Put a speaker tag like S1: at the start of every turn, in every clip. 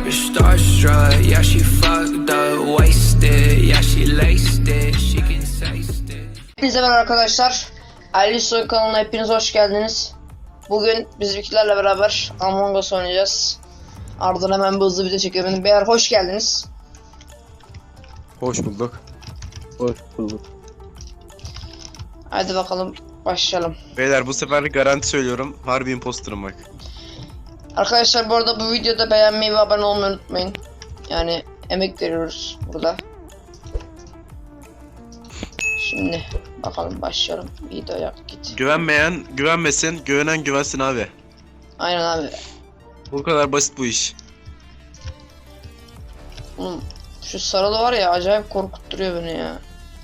S1: type of starstruck. Yeah, she fucked up, wasted. Yeah, she laced it. She can taste it.
S2: Hepinize merhaba arkadaşlar. Alisoy kanalına hepiniz hoş geldiniz. Bugün bizimkilerle beraber Among Us oynayacağız. Ardından hemen bir hızlı video çekiyorum. Beyler hoş geldiniz.
S3: Hoş bulduk.
S4: Hoş bulduk.
S2: Hadi bakalım başlayalım.
S3: Beyler bu sefer garanti söylüyorum. Harbi imposterım bak.
S2: Arkadaşlar bu arada bu videoda beğenmeyi ve abone olmayı unutmayın. Yani emek veriyoruz burada. Şimdi bakalım başlayalım. Videoya git.
S3: Güvenmeyen güvenmesin, güvenen güvensin abi.
S2: Aynen abi.
S3: Bu kadar basit bu iş.
S2: Oğlum şu sarılı var ya acayip korkutturuyor beni ya.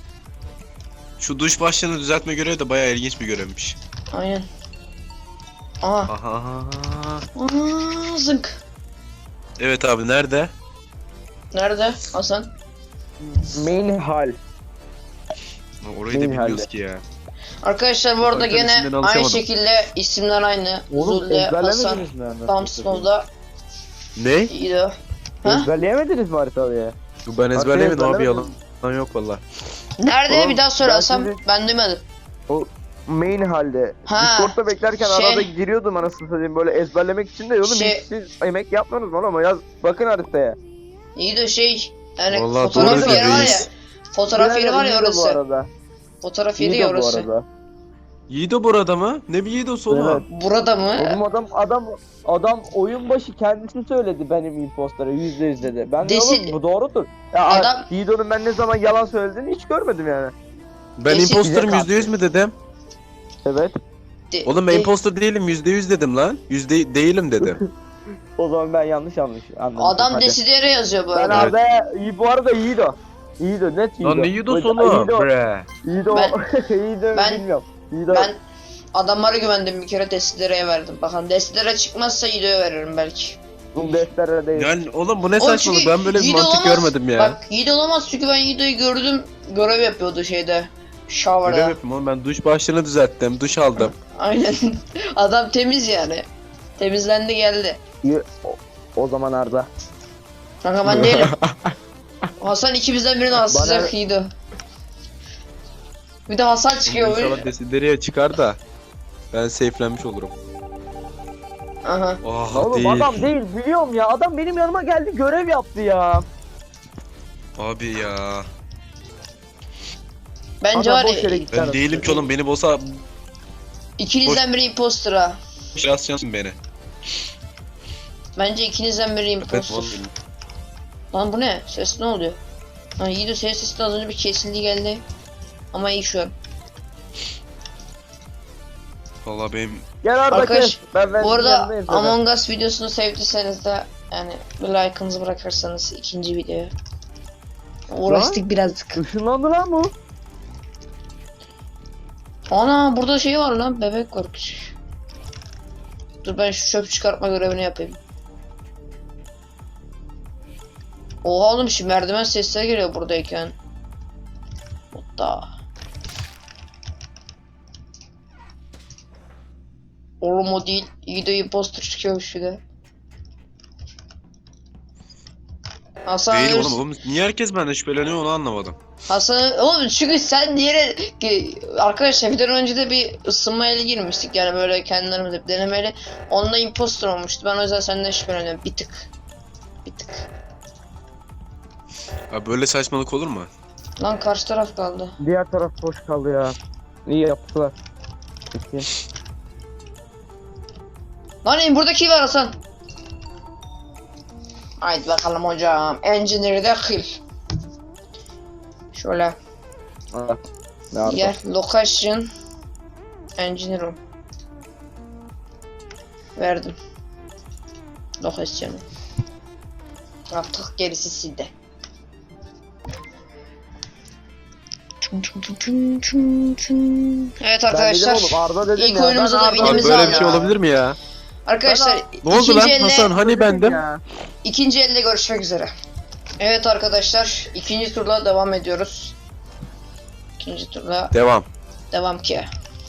S3: Şu duş başlığını düzeltme görevi de bayağı ilginç bir görevmiş.
S2: Aynen. Aha.
S3: Aha.
S2: Aa, zınk.
S3: Evet abi nerede?
S2: Nerede Hasan?
S4: Main hal.
S3: Orayı da
S4: Benim
S3: bilmiyoruz
S4: halde.
S3: ki ya.
S2: Arkadaşlar bu arada
S3: Haritanın
S2: gene
S3: isimlerini
S2: aynı
S3: alışamadım.
S2: şekilde isimler aynı.
S4: Oğlum
S2: Zulle, Hasan,
S4: ezberlemediniz mi? yani?
S2: Thompson'da
S3: Ne?
S2: İdo. Ha?
S4: Ezberleyemediniz mi haritayı?
S3: Ben ezberlemedim abi, yalan.
S4: ezberlemediniz.
S3: Lan yok valla.
S2: Nerede
S4: Oğlum,
S2: bir daha söyle
S4: ben
S2: Hasan.
S4: sizi-
S2: Ben duymadım.
S4: Main halde.
S2: Ha,
S4: Discord'da beklerken
S2: şey-
S4: arada giriyordum anasını satayım böyle ezberlemek için de oğlum
S2: Şey-
S4: hiç siz emek yapmıyorsunuz oğlum ama yaz bakın haritaya.
S2: İdo şey yani
S3: Vallahi
S2: fotoğraf
S3: doğru
S2: yeri var ya.
S3: reis.
S2: Fotoğraf yeri var ya
S4: İyi de bu
S2: orası.
S4: arada.
S2: Fotoğraf yeri
S4: İyi
S2: ya
S4: de bu
S2: orası.
S4: arada.
S3: Yiğido burada mı? Ne bir Yiğido'su oğlum?
S4: Evet.
S2: Burada mı?
S4: Oğlum adam oyun başı kendisi söyledi benim impostora %100 dedi. Ben de
S2: Desi-
S4: oğlum bu doğrudur. Ya
S2: Adam-
S4: Yiğido'nun ben ne zaman yalan söylediğini hiç görmedim yani.
S3: Ben
S2: Kesin
S3: imposterım
S4: bize
S3: %100 mü dedim?
S4: Evet.
S3: Oğlum ben imposter değilim, %100 dedim lan. Değilim dedim.
S4: O zaman ben yanlış anladım.
S2: Adam
S4: Hadi.
S2: Desideri yazıyor bu
S4: Ben
S2: arada.
S4: Arda'ya bu arada Yiğido. Yiğido net Yiğido.
S3: Lan ne Yiğido'su oğlum? Bre.
S4: Yiğido.
S2: Ben-
S4: Yiğido
S2: ben-
S4: bilmiyorum. Yiğido.
S2: Ben adamlara güvendim bir kere Desideri'ye verdim. Bakalım Desideri çıkmazsa İdo'ya veririm belki.
S4: Bu defterlere değil.
S3: Yani oğlum bu ne
S2: O
S3: saçmalık,
S2: çünkü
S3: ben böyle bir
S2: Yiğit
S3: mantık
S2: olamaz.
S3: görmedim ya.
S2: Bak Yiğit olamaz çünkü ben Yiğit'i gördüm. Görev yapıyordu şeyde.
S3: Öyle
S2: Shower'da.
S3: yapayım oğlum, ben duş başlığını düzelttim, duş aldım.
S2: Aynen. Adam temiz yani. Temizlendi geldi.
S4: O zaman Arda.
S2: Kanka ben değilim. Hasan ikimizden birini asacak Yiğit'i. Bir de Hasan çıkıyor
S3: İnşallah
S2: böyle.
S3: Desideriye çıkar da ben safe'lenmiş olurum.
S2: Aha.
S3: Oh
S4: Oğlum
S3: değil.
S4: adam değil biliyorum ya. Adam benim yanıma geldi görev yaptı ya.
S3: Abi ya.
S2: Bence
S4: Adam
S2: var
S4: boş yere
S2: ya
S4: gitti
S3: Ben
S4: arada.
S3: değilim ki oğlum, beni bosa
S2: ikinizden biri impostora.
S3: şansyansın beni.
S2: Bence ikinizden biri
S3: Evet
S2: impostor.
S3: oğlum.
S2: Lan bu ne? Ses ne oluyor? Ha Yiğit'in sesi de az önce bir kesildi geldi. Ama iyi şu an.
S3: Valla benim
S4: Gel Arda
S2: Arkadaş,
S4: kes. Ben
S2: Bu arada
S4: yanındayım sana.
S2: Among Us videosunu sevdiyseniz de yani bir like'ınızı bırakırsanız ikinci videoya. Uğraştık birazcık.
S4: Işınlandı lan bu.
S2: Ana burada şey var lan, bebek var küçük. Dur ben şu çöp çıkartma görevini yapayım. Oha oğlum şu merdiven sesleri geliyor buradayken. Hatta. Oğlum o değil. İyi de imposter çıkıyormuş bir de. Hasan
S3: değilim
S2: ölürsün.
S3: oğlum. Niye herkes benden şüpheleniyor onu anlamadım.
S2: Hasan oğlum çünkü sen diğeri arkadaşlar videodan önce de bir ısınmayla girmiştik yani böyle kendilerimize bir denemeyle. Onunla imposter olmuştu. Ben o yüzden senden şüpheleniyorum bir tık. Bir tık.
S3: Abi böyle saçmalık olur mu?
S2: Lan karşı taraf kaldı.
S4: Diğer taraf boş kaldı ya. İyi yaptılar. Peki.
S2: Lan buradaki var Hasan. Haydi bakalım hocam. Engineer'i de kill. Şöyle.
S4: Ha. Ne yaptı?
S2: Yer. Location. Engineer room. Verdim. Location'ı. Artık gerisi sizde. Evet
S4: Ben
S2: arkadaşlar.
S4: dedim oğlum Arda dedim
S2: ilk
S4: ya.
S2: oyunumuza
S4: ben
S2: da
S4: Arda
S3: Abi
S2: Elimizi
S3: böyle
S2: al
S3: bir şey
S2: ya.
S3: olabilir mi ya?
S2: Arkadaşlar
S3: Ne oldu
S2: ikinci
S3: lan
S2: elle,
S3: Hasan, hani bendim?
S4: Ya.
S2: ikinci elde görüşmek üzere. Evet arkadaşlar ikinci turla devam ediyoruz. İkinci turla
S3: Devam.
S2: devam ki.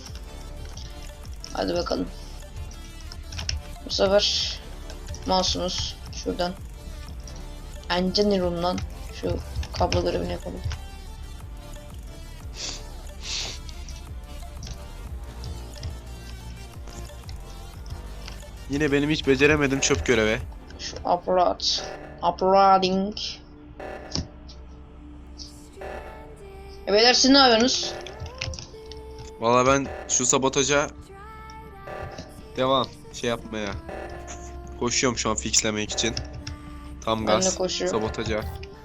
S2: Hadi bakalım. Bu sefer mouse'umuz şuradan Engineer'ım lan. Şu kablo görevini yapalım.
S3: Yine benim hiç beceremedim çöp görevi.
S2: Şu upload. Uploading. Beyler siz ne yapıyorsunuz?
S3: Valla ben şu sabotaja devam yapmaya. Koşuyorum şu an fixlemek için. Tam
S2: Ben de
S3: gaz.
S2: koşuyorum.
S3: Sabotaja.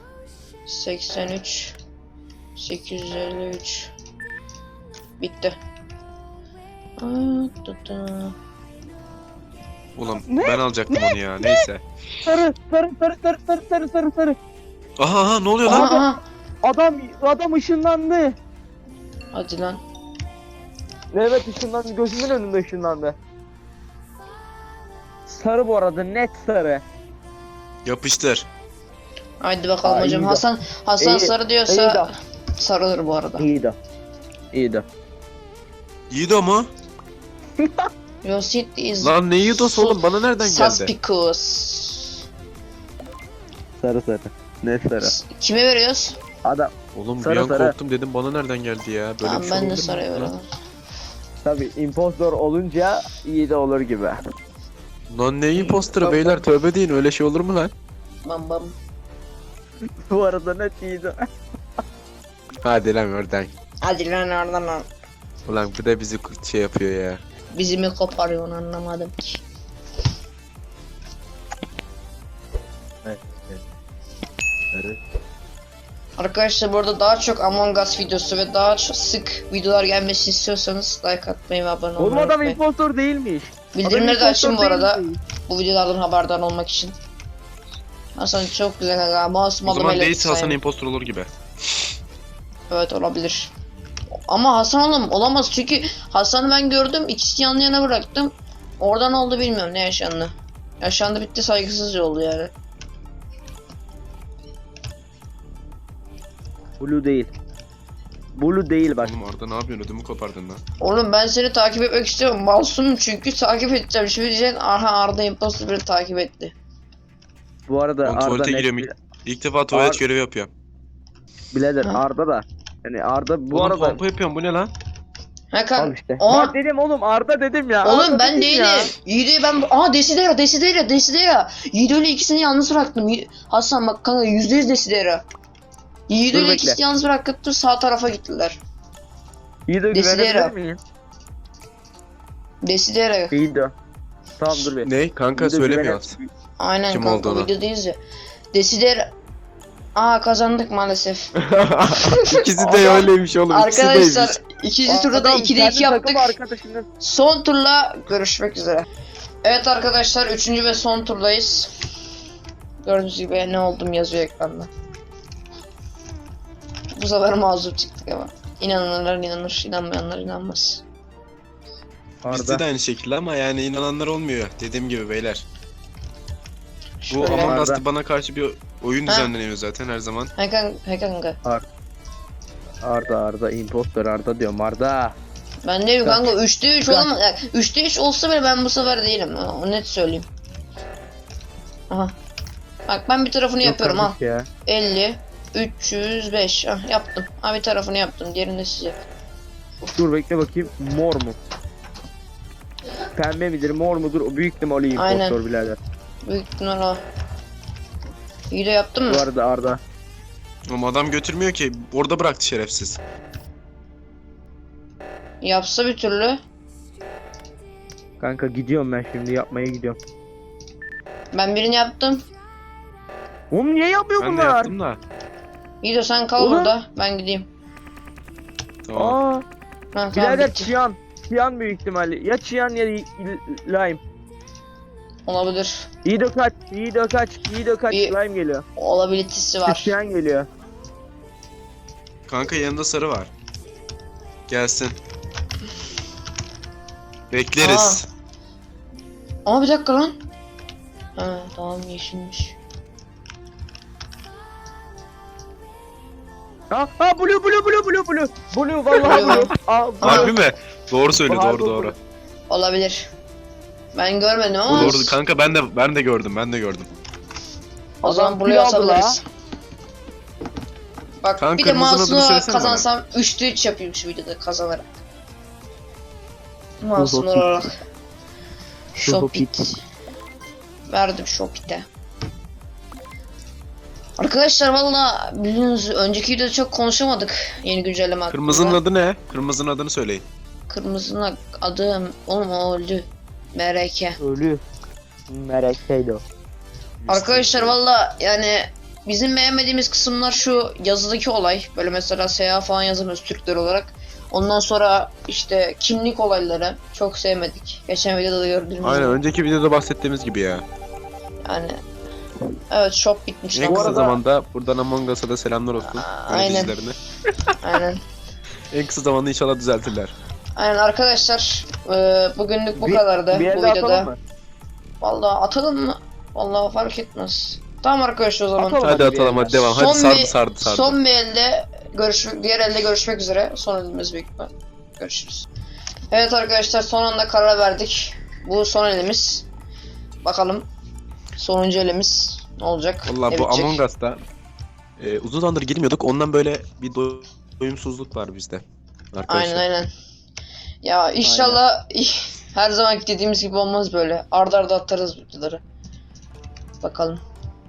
S2: 83 853 bitti.
S3: Ulan
S4: Ne?
S3: ben alacaktım onu ya. Neyse.
S4: Sarı sarı sarı sarı sarı sarı sarı sarı.
S3: Aha ne oluyor lan?
S2: Aha.
S4: Adam ışınlandı.
S2: Hadi lan.
S4: Evet ışınlandı, gözümün önünde ışınlandı. Sarı bu arada, net sarı.
S3: Yapıştır.
S2: Haydi bakalım
S4: Aa,
S2: hocam.
S4: iyi de.
S2: Hasan
S4: İyi-
S2: sarı
S4: iyi
S2: diyorsa
S4: de.
S2: sarılır bu arada.
S4: İyiydi. İyiydi.
S3: Yiğido mu?
S2: Yosit is
S3: Lan ne Yiğido'su oğlum? Bana nereden geldi?
S2: suspicious.
S4: Sarı sarı. Net sarı.
S2: Kime veriyoruz?
S4: Adam
S3: Oğlum
S4: Sarı,
S3: bir an
S4: sarı.
S3: korktum dedim bana nereden geldi ya? Böyle
S2: Tamam
S3: bir şey
S2: ben de
S3: olabilir mi?
S2: sarıya veriyorum.
S4: tabi impostor olunca iyi de olur gibi.
S3: Lan ne imposter'ı beyler, tövbe deyin, öyle şey olur mu lan?
S2: Bam bam.
S4: Bu arada net iyiydi.
S3: Hadi lan oradan.
S2: Hadi lan oradan lan.
S3: Ulan bu da bizi şey yapıyor ya.
S2: Bizi mi koparıyorsun anlamadım ki.
S4: Sarı.
S2: Arkadaşlar burada daha çok Among Us videosu ve daha çok sık videolar gelmesini istiyorsanız like atmayı ve abone
S4: Oğlum
S2: olmayı
S4: adam
S2: unutmayın.
S4: impostor değilmiş.
S2: Bildirimleri de
S4: Adam
S2: açın bu
S4: impostor
S2: arada.
S4: değilmiş.
S2: Bu videolardan haberdar olmak için. Hasan çok güzel kanka. Masum
S3: O
S2: adam
S3: zaman
S2: ele
S3: değilse Hasan
S2: sayın.
S3: impostor olur gibi.
S2: Evet olabilir. Ama Hasan olamaz çünkü Hasan'ı ben gördüm, ikisi yan yana bıraktım. Oradan oldu bilmiyorum ne yaşandı. Yaşandı bitti, saygısızca oldu yani.
S4: Blue değil. Blue değil bak.
S3: Oğlum orada ne yapıyorsun, ödümü kopardın lan.
S2: Oğlum ben seni takip etmek istiyorum. Masumum çünkü takip edeceğim. Şimdi diyeceksin aha Arda imposter beni takip etti.
S4: Bu arada
S3: Ben
S4: Arda
S3: tuvalete
S4: net
S3: giriyorum. İlk defa tuvalet görevi yapıyorum.
S4: birader
S2: Ha.
S4: Arda da. Yani Arda bu
S3: Oğlum
S4: arada
S3: pompa yapıyorum, bu ne lan?
S2: Ha
S4: al
S2: kan.
S4: işte.
S2: Aa!
S4: Bak dedim oğlum Arda dedim ya.
S2: Oğlum
S4: Arda
S2: ben
S4: dedim
S2: değilim.
S4: ya.
S2: Yiğit'i ben... Aa Desidera. Yiğit öyle ikisini yalnız bıraktım. Hasan bak kanka %100 Desidera. Yiğit
S4: Dur
S2: öyle
S4: bekle.
S2: ikisini yalnız bırakıp sağ tarafa gittiler.
S4: İyi de
S2: Desidera.
S4: güvenebilir miyim?
S2: Desidera.
S4: İyi de. Tamam dur bir.
S3: Ne? Kanka
S4: İyi de
S3: söylemiyor.
S2: Aynen
S3: Kim
S2: kanka
S3: olduğunu.
S2: videodayız ya. Desidera. Aa kazandık maalesef.
S3: İkisi de öyleymiş oğlum.
S2: Arkadaşlar
S3: İkisi
S2: ikinci turda da 2'de 2 yaptık.
S4: Arkadaşının
S2: Son turla görüşmek üzere. Evet arkadaşlar 3. ve son turdayız. Gördüğünüz gibi ne oldum yazıyor ekranda. Bu sefer mazur çıktık ama. İnananlar inanır, inanmayanlar inanmaz.
S3: Bizde
S4: Arda.
S3: de aynı şekilde ama yani inananlar olmuyor. Dediğim gibi beyler. Bu
S2: Şöyle.
S3: Among
S4: Arda.
S3: Us'ta bana karşı bir oyun
S2: Ha.
S3: düzenleniyor zaten her zaman.
S2: Kanka.
S4: Arda impostor Arda diyorum Arda.
S2: Ben değilim kanka 3'te 3
S4: Kanka.
S2: olamaz. Yani 3'te 3 olsa bile ben bu sefer değilim. O net söyleyeyim. Aha. Bak ben bir tarafını yapıyorum ha.
S4: Yok ya.
S2: 50 305 ah, yaptım. Ha bir tarafını yaptım. Diğerini de siz yapın.
S4: Dur bekle bakayım. Mor mu? Pembe midir mor mudur? O büyük ihtimalle impostor
S2: Aynen.
S4: birader.
S2: Büyük ihtimal o. İyi de yaptın mı?
S4: Bu arada Arda.
S3: Ama adam götürmüyor ki. Orada bıraktı şerefsiz.
S2: Yapsa bir türlü.
S4: Kanka gidiyorum ben şimdi yapmaya gidiyorum.
S2: Ben birini yaptım.
S4: Oğlum niye yapıyor
S3: Ben de
S4: bunlar?
S3: yaptım da.
S2: İyi de sen kal
S4: Oğlum.
S2: burada. Ben gideyim.
S3: Tamam.
S4: Aa,
S2: Ha, tamam
S4: birader
S2: bitti.
S4: Çiyan. Çiyan büyük ihtimalle. Ya Çiyan ya Lime.
S2: Olabilir.
S4: İyi de kaç. İyi de kaç. İyi de kaç.
S2: İyi.
S4: Lime geliyor.
S2: Olabilitesi var.
S4: Çiyan geliyor.
S3: Kanka yanında sarı var. Gelsin. Bekleriz.
S2: Ama bir dakika lan. Ha tamam yeşilmiş.
S4: Ha blue. Blue vallahi
S2: Blue.
S4: blue. Aa, blue.
S3: Harbi mi? Doğru söyle,
S4: Harbi
S3: doğru.
S2: Olabilir. Ben görmedim ama.
S3: Doğru kanka, ben de gördüm.
S2: O zaman
S4: Adam
S2: buraya
S4: kilo aldı
S2: asabiliriz. Bak
S3: Kanka,
S2: bir de
S3: kırmızının adını
S2: mouse'unu
S3: söylesene
S2: kazansam 3'te 3 yapayım şu videoda kazanarak. Mouse'un
S4: Shopit.
S2: olarak.
S4: Shopit.
S2: Shopit. Verdim Shopit'e. Arkadaşlar valla biliyorsunuz önceki videoda çok konuşamadık yeni güncelleme hakkında.
S3: Kırmızının adı ne? Kırmızının adını söyleyin.
S2: Kırmızının adı oğlum o öldü. MRK.
S4: Ölü. Merekteydi o.
S2: Arkadaşlar valla yani bizim beğenmediğimiz kısımlar şu yazıdaki olay. Böyle mesela seyahat falan yazamıyoruz Türkler olarak. Ondan sonra işte kimlik olayları çok sevmedik. Geçen videoda da gördüğünüz gibi.
S3: Aynen, önceki videoda bahsettiğimiz gibi ya.
S2: Yani evet shop bitmiş.
S3: En
S2: lan.
S3: kısa
S4: arada-
S3: zamanda buradan Among Us'a da selamlar olsun.
S2: Aynen.
S3: Yöneticilerine.
S2: Aynen.
S3: En kısa zamanda inşallah düzeltirler.
S2: Aynen arkadaşlar bugünlük bu kadardı
S4: Bir
S2: bu
S4: elde atalım
S2: videoda.
S4: mı?
S2: Vallahi atalım mı? Vallahi fark etmez. Tamam arkadaşlar o zaman.
S4: Atalım.
S3: Hadi
S4: hadi bir
S3: atalım, hadi
S4: yerden.
S3: devam. Hadi sardı.
S2: Son bir elde diğer elde görüşmek üzere. Son elimiz büyük ihtimal. Görüşürüz. Evet arkadaşlar son anda karar verdik. Bu son elimiz. Bakalım sonuncu elimiz ne olacak?
S3: Valla
S2: Ne
S3: bu
S2: bitecek?
S3: Among Us'ta uzun zamandır girmiyorduk. Ondan böyle bir doyumsuzluk var bizde. Arkadaşlar.
S2: Aynen. Ya inşallah her zaman dediğimiz gibi olmaz böyle. Arda arda atarız videoları. Bakalım.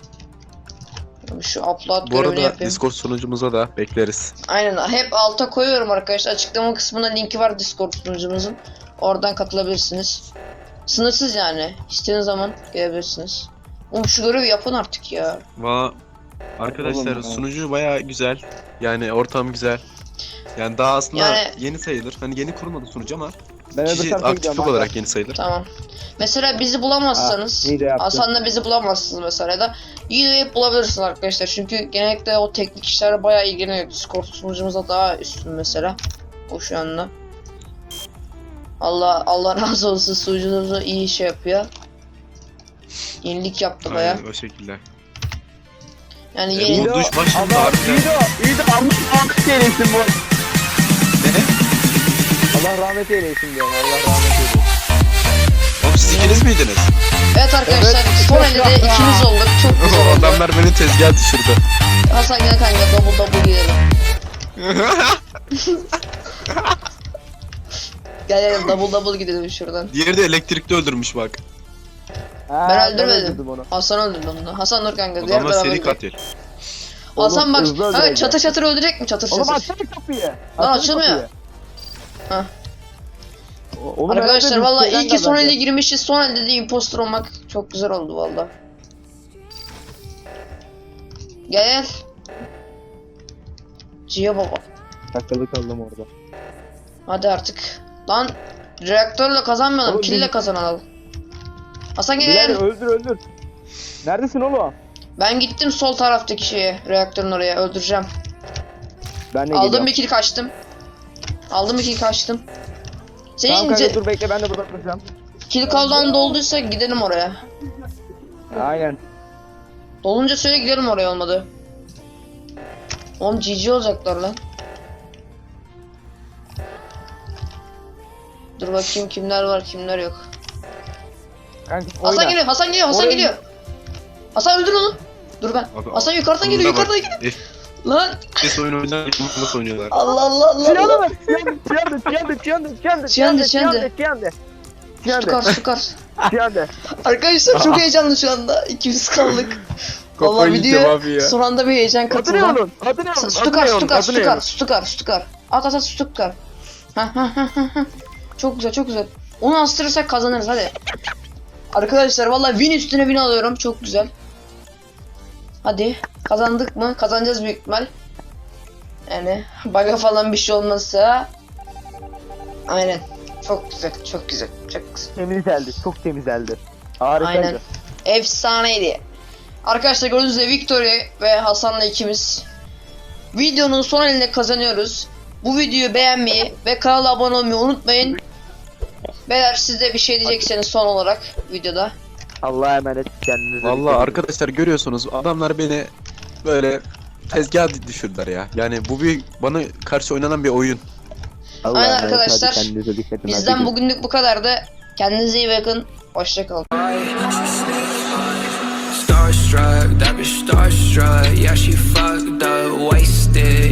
S2: Şu upload
S3: Bu
S2: görevini
S3: arada
S2: yapayım.
S3: Discord sunucumuza da bekleriz.
S2: Aynen hep alta koyuyorum arkadaşlar. Açıklama kısmında linki var Discord sunucumuzun. Oradan katılabilirsiniz. Sınırsız yani. İstediğiniz zaman gelebilirsiniz. Oğlum şu görevi yapın artık ya.
S3: Valla arkadaşlar
S4: Oğlum,
S3: sunucu baya güzel. Yani ortam güzel. Yani daha aslında
S2: Yani-
S3: yeni sayılır. Hani yeni kurulmadı sunucu ama
S4: Ben öbür
S3: kişi
S4: tarafa
S3: aktiflik
S4: gidiyorum.
S3: olarak yeni sayılır.
S2: Tamam. Mesela bizi bulamazsanız,
S4: iyi de yaptın.
S2: Hasan'la bizi bulamazsınız mesela ya da yine hep bulabilirsiniz arkadaşlar. Çünkü genellikle o teknik işlerle bayağı ilgileniyor. Discord sunucumuzda daha üstün mesela. O şu anda. Allah razı olsun sunucumuzu iyi şey yapıyor. Yenilik yaptı bayağı.
S3: Aynen o şekilde.
S2: Yani
S3: Bu
S2: yeni...
S3: duş başında
S4: Adam
S3: harbiden.
S4: iyi de Allah eylesin bu.
S3: Ne?
S4: Allah rahmet eylesin diyorum. Allah rahmet eylesin.
S3: Oğlum siz ikiniz miydiniz?
S2: Evet arkadaşlar
S4: Evet.
S2: son elde de ikimiz olduk. Çok güzel oldu.
S3: Adamlar beni tezgaha düşürdü.
S2: Hasan gel kanka double gidelim. Gel double gidelim şuradan.
S3: Diğeri de elektrikte öldürmüş bak.
S2: Ben öldürmedim.
S4: öldürdüm onu.
S2: Hasan öldürdü onu. Hasan dur kanka. diğer
S3: Adamlar
S2: beraber
S3: seri
S2: gidelim.
S3: katil.
S2: Hasan
S4: Oğlum,
S2: bak.
S4: hızlı
S2: Kanka
S4: öldüreceğim.
S2: çatır çatır öldürecek mi? Çatır
S4: Oğlum
S2: çatır.
S4: açsana kapıyı.
S2: Lan
S4: Açsana
S2: açılmıyor.
S4: kapıyı.
S2: Hah.
S4: Oğlum
S2: Arkadaşlar
S4: herhalde
S2: valla
S4: listeden
S2: iyi ki son
S4: kazandı.
S2: elde girmişiz. Son elde de impostor olmak çok güzel oldu valla. Gel. Cia baba.
S4: Takılı kaldım orada.
S2: Hadi artık. Lan reaktörle kazanmayalım.
S4: Oğlum,
S2: Kille
S4: biz-
S2: kazanalım. Hasan gel.
S4: Bilal öldür. Neredesin oğlum?
S2: Ben gittim sol taraftaki şeye. Reaktörün oraya. Öldüreceğim.
S4: Ben de
S2: Aldım
S4: geliyorum.
S2: bir kill kaçtım. Aldım bir kill kaçtım. Senin
S4: Tamam kanka dur bekle ben de burada duracağım.
S2: kill cooldown dolduysa gidelim oraya.
S4: Aynen.
S2: Dolunca söyle gidelim oraya olmadı. Oğlum GG olacaklar lan. Dur bakayım kimler var kimler yok.
S4: Kanka
S2: Hasan
S4: oyna.
S2: geliyor Hasan geliyor Hasan
S4: Oraya-
S2: geliyor. Hasan öldür onu. Dur ben.
S3: Abi,
S2: Hasan yukarıdan geliyor
S3: sonunda bak.
S2: yukarıdan geliyor. Lan
S3: FPS oyun oynar, nasıl oynuyorlar?
S2: Allah Allah Allah.
S4: Çıyandı
S2: Allah.
S4: mı? Çıyandı.
S2: Stukar stukar.
S4: Çıyandı.
S2: Arkadaşlar çok heyecanlı şu anda. İkimiz kaldık.
S3: Kafayı
S2: Vallahi
S3: yiyeceğim
S2: video
S3: abi ya.
S2: son anda bir heyecan
S4: Adı ne
S2: katıldı.
S4: onun? Adı ne onun?
S2: Stukar. At Stukar. Ha. Çok güzel. Onu astırırsak kazanırız hadi. Arkadaşlar vallahi win üstüne win alıyorum. Çok güzel. Hadi. Kazandık mı? Kazanacağız büyük ihtimal. Yani bug'a falan bir şey olmazsa. Aynen. Çok güzel.
S4: Temizlendi. Çok temizlendi. Harikaydı.
S2: Aynen. Efsaneydi. Arkadaşlar gördüğünüz gibi Victoria ve Hasan'la ikimiz videonun son elinde kazanıyoruz. Bu videoyu beğenmeyi ve kanala abone olmayı unutmayın. Beyler siz de bir şey diyecekseniz son olarak videoda.
S4: Allah'a emanet kendinize.
S3: Vallahi
S4: dikkat edin.
S3: arkadaşlar görüyorsunuz adamlar beni böyle tezgaha düşürdüler ya. Yani bu bir bana karşı oynanan bir oyun.
S4: Allah'a
S2: Aynen
S4: emanet,
S2: arkadaşlar.
S4: hadi kendinize dikkat edin.
S2: Bizden
S4: Hadi
S2: bugünlük bu kadardı. Kendinize iyi bakın. Hoşça kalın.
S1: Start starstruck, that bitch starstruck. Yeah, she fucked up, wasted.